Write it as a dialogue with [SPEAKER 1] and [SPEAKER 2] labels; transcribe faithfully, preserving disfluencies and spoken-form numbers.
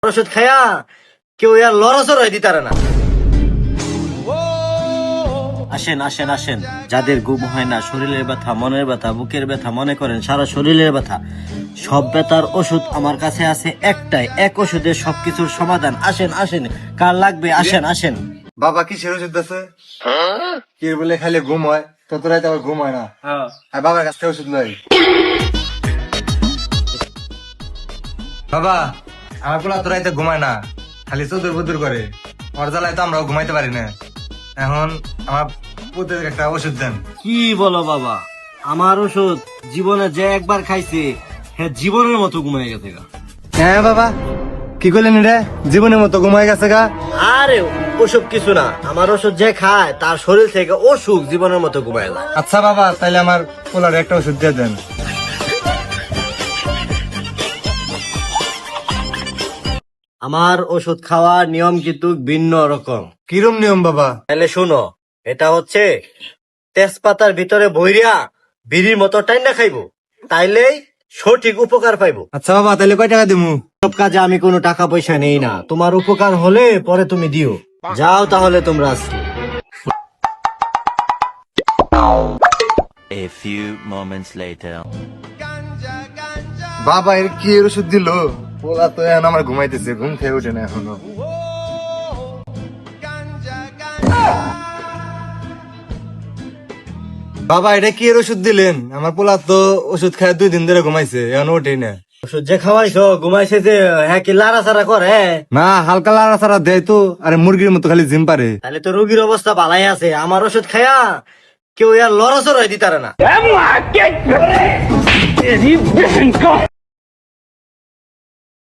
[SPEAKER 1] ওষুধ খায়া কেউ আর লড়াচড় হয়ে দিতারে না। আসেন আসেন আসেন, যাদের ঘুম হয় না, শরীরের ব্যথা, মনের ব্যথা, বুকের ব্যথা, মনে করেন সারা শরীরের ব্যথা, সব ব্যথার ওষুধ আমার কাছে আছে একটাই, এক ওষুধে সবকিছুর সমাধান। আসেন আসেন, কার লাগবে আসেন আসেন।
[SPEAKER 2] বাবা কিসের ওষুধ আছে? কি বলে খালি ঘুম হয়, তত রাতে আবার ঘুম হয় না। আর বাবার কাছ থেকে ওষুধ লই। বাবা আমার পোলা তো রাতে ঘুমায় না, খালি চতুর বুতুর করে। ওর জ্বালায় তো আমরাও ঘুমাইতে পারি না। এখন আমার পুতের একটা ওষুধ দেন।
[SPEAKER 1] কি বলো বাবা, আমার ওষুধ জীবনে যে একবার খাইছে হ্যাঁ জীবনের মতো ঘুমাই গেছে গা।
[SPEAKER 2] হ্যাঁ বাবা কি করলেন রে, জীবনের মতো ঘুমায় গেছে গা?
[SPEAKER 1] আরে ওসব কিছু না, আমার ওষুধ যে খায় তার শরীর থেকে অসুখ জীবনের মতো ঘুমায় যায়।
[SPEAKER 2] আচ্ছা বাবা তাইলে আমার পোলার একটা ওষুধ দিয়ে দেন।
[SPEAKER 1] আমার ওষুধ খাওয়ার নিয়ম কিন্তু ভিন্ন রকম।
[SPEAKER 2] কিরম নিয়ম বাবা?
[SPEAKER 1] তাহলে শুনো, এটা হচ্ছে তেজপাতার ভিতরে ভৈরিয়া বিড়ির মতো টাইনা খাইবো, তাইলেই সঠিক উপকার পাইবো।
[SPEAKER 2] আচ্ছা বাবা তাইলে কয় টাকা দিমু?
[SPEAKER 1] সব কাজে আমি কোনো টাকা পয়সা নেই না, তোমার উপকার হলে পরে তুমি দিও। যাও তাহলে তোমরা আজকে।
[SPEAKER 3] A few moments later.
[SPEAKER 2] বাবা এর কি এর ওষুধ দিল? পোলা তো এখন আমার ঘুমাইতেছে, ঘুম থেকে উঠে না এখনো। বাবা এটা কি এর ওষুধ দিলেন? আমার পোলা তো ওষুধ খায় দুই দিন ধরে ঘুমাইছে, এখন ওঠেই না।
[SPEAKER 1] ওষুধ যে খাওয়াইছো ঘুমাইছে যে, হ্যাঁ কি লাড়াচাড়া করে?
[SPEAKER 2] না হালকা লাড়া ছাড়া দেয় তো, আরে মুরগির মতো খালি জিম পারে।
[SPEAKER 1] তাহলে তো রোগীর অবস্থা ভালাই আছে। আমার ওষুধ খায়া কেউ আর লড়াচড় হয়ে দিতারে না।